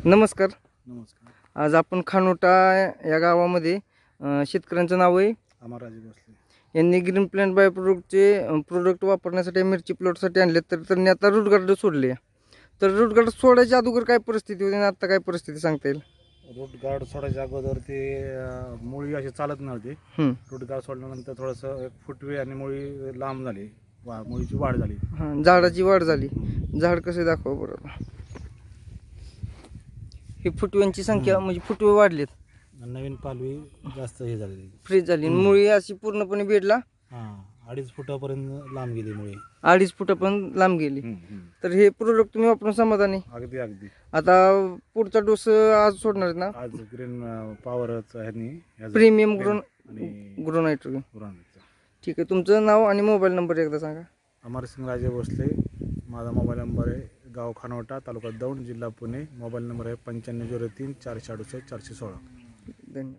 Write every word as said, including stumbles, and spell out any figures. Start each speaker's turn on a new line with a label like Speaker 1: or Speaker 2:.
Speaker 1: नमस्कार.
Speaker 2: नमस्कार.
Speaker 1: आज आपण खानोटा या गावामध्ये अ, शेतकऱ्यांचं नाव आहे
Speaker 2: अमरराजे भोसले.
Speaker 1: यांनी ग्रीन प्लॅन्ट बाय प्रोडक्टचे प्रोडक्ट वापरण्यासाठी मिरची प्लॉटसाठी आणले, तर त्यांनी आता रूट गार्ड सोडले. तर रूट गार्ड सोडायच्या अगोदर काय परिस्थिती होती आणि आता काय परिस्थिती सांगता येईल?
Speaker 2: रूट गार्ड सोडायच्या अगोदर ते अं, मुळी अशी चालत नव्हती.
Speaker 1: हं.
Speaker 2: रूट गार्ड सोडल्यानंतर थोडंसं एक फुटवे आणि मुळी लांब झाली, वा मुळीची वाढ झाली.
Speaker 1: हां, झाडाची वाढ झाली. झाड कसे दाखवा बरोबर. ही फुटव्यांची संख्या म्हणजे फुटवे वाढलेत,
Speaker 2: नवीन पालवी जास्त हे झालेली.
Speaker 1: फ्रीज झाली आणि मुळी अशी पूर्णपणे बेडला
Speaker 2: हां, अडीच फुटापर्यंत लांब गेली मुळी.
Speaker 1: अडीच फुटापर्यंत लांब गेली.
Speaker 2: हम्म, हम्म.
Speaker 1: तर हे प्रोडक्ट तुम्ही वापरून समाधानी?
Speaker 2: अगदी अगदी.
Speaker 1: आता पुढचा डोस आज सोडणार आहेत ना?
Speaker 2: आज ग्रीन पॉवरच ह्यांनी ह्याचं
Speaker 1: प्रीमियम ग्रोन
Speaker 2: आणि
Speaker 1: ग्रो नायट्रोजन.
Speaker 2: गुरांचं.
Speaker 1: ठीक आहे, तुमचं नाव आणि मोबाईल नंबर एकदा सांगा.
Speaker 2: अमरसिंग राजे भोसले. माझा मोबाईल नंबर आहे, गाव खानोटा, तालुका दौंड, जिल्हा पुणे. मोबाईल नंबर आहे पंच्याण्णव झिरो तीन चारशे अडुसष्ट चारशे सोळा.
Speaker 1: धन्यवाद.